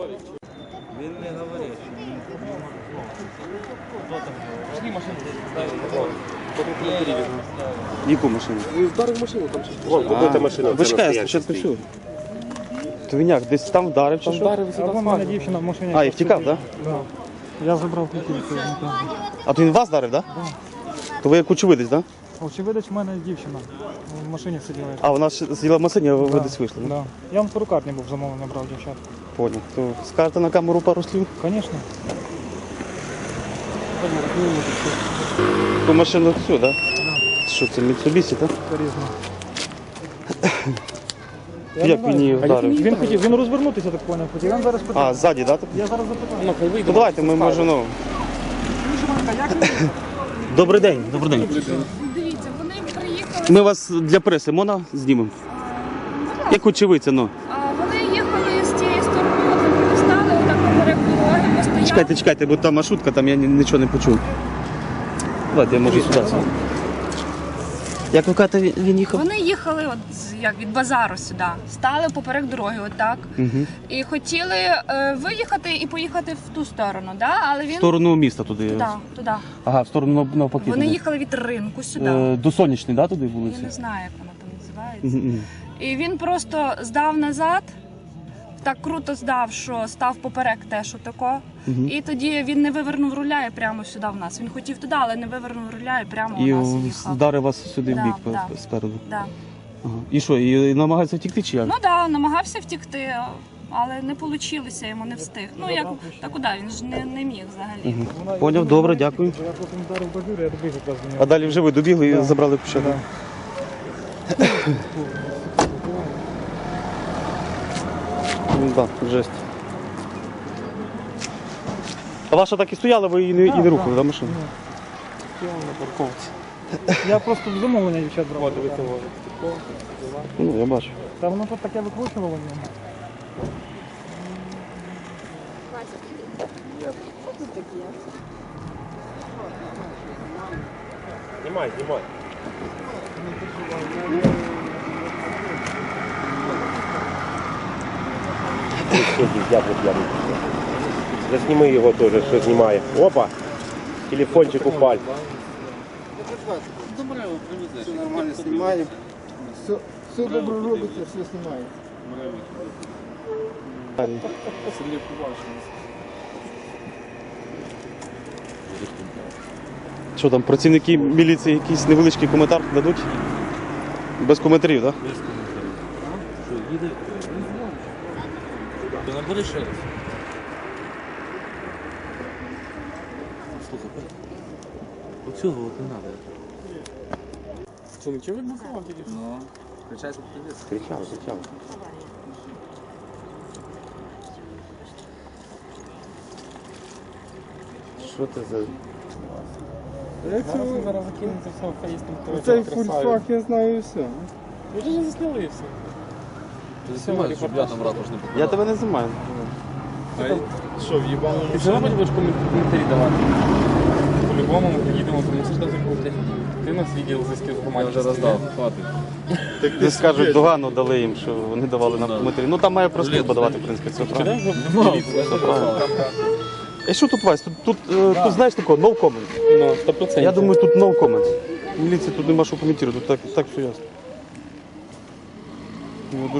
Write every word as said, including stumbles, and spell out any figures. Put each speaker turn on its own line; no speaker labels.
Він не говорить.
Яку машину?
Вдарив машину там. Вон, куди машина.
Ви чекаєте, спочатку всю. То він як, десь там вдарив чи що?
Вдарив,
А вон мене дівчина в машині.
А, і втікав, так?
Да. Я забрав ключі.
А то він вас вдарив, так? То ви як очевидець, так?
Очевидець, в мене дівчина в машині сиділа.
А, вона ж сиділа в машині, а ви
Да.
десь вийшли, так?
Да. Я вам в перукарні був замовлення брав дівчат.
Понял. То скажете на камеру пару слів?
Звісно.
Ту машину всю, так? Що це, Mitsubishi, так?
Різно.
Як він її вдарив?
Він хотів, він розвернутися, так поняв, хотів. Я зараз питаю.
А, ззаді, так?
Я зараз запитаю.
То давайте, ми можемо, ну... Добрий день, добрий день.
Дивіться, вони приїхали,
Ми вас для преси можна знімемо? Як очевидця, ну.
а вони їхали з тієї сторони, от стали отак поперек дороги, постояли.
Чекайте, чекайте, бо там маршрутка, там я ні- нічого не почув. Давайте, я можу сюди. Як ви кажете, він- він їхав?
Вони їхали от з- як від базару сюди, стали поперек дороги, отак,
Угу.
і хотіли е, виїхати і поїхати в ту сторону, да? Але
В
він
сторону міста туди.
туди, туди.
Ага, в сторону нав- навпаки.
Вони
туди.
їхали від ринку сюди.
Е, До Сонячної, да, туди
Я
вулиці?
не знаю, як вона там називається.
Мгм, мгм.
І він просто здав назад, так круто здав, що став поперек теж отако.
Мгм.
І тоді він не вивернув руля і прямо сюди в нас. Він хотів туди, але не вивернув руля і прямо
І
у нас
в-
їхав.
вдарив вас сюди в
Да,
бік
да.
по- спереду.
Да.
Ага. І що, і намагається втікти чи як?
Ну так, да, намагався втікти, але не вийшло, йому не встиг. Ну як, та куди, він ж не, не міг взагалі.
Мгм. Поняв, добре, дякую.
Я потім вдарив бажур, я добіг якраз до
А
нього.
далі вже ви добігли і
Да.
забрали ключа?
Да.
Ну, да, жесть. А ваша так і стояла, ви і не, і не
Да,
рухали,
да.
да, машину?
Стояв на парковці. Я просто замовлення дівчат брав.
Ну, я бачу.
Та воно тут таке викручувало в ньому.
Знімай, знімай. Засніми його теж, що знімає. Опа! Телефончик упал.
Все нормально снимаем. Все, все добре робите, все снимаем.
Що там, працівники міліції якийсь невеличкий коментар дадуть? Без коментарів, так?
Без коментарів. Що, їде? Ти набери ще раз. Слухай, оцього от не треба.
Що, нічого не сказав тільки?
Ну, кричай, що ти десь.
Кричав, кричав. Що це за...
Зараз закинеться все в фейс, там
Цей фульфак я знаю і все.
Ви ж не засняли і все.
Ти знімаєш, щоб я там ратуш не попадав.
Я тебе не знімаю.
Що, в'їбало?
Ти все одно будеш коментарі давати? По-любому ми приїдемо, тому що там закупити. Ти нас відділ зв'язків з
Я
громадськістю.
вже роздав, хватить.
Де скажуть, догану дали їм, що вони давали нам коментарі. Ну там має просто подавати, в принципі, це правильно. Все правильно. А що тут, Вась? Тут, тут, е, тут знаєш такого, no comment.
Ну, сто процентів.
Я думаю, тут no comment. Міліції тут нема що коментувати, тут так, так все ясно. Ну,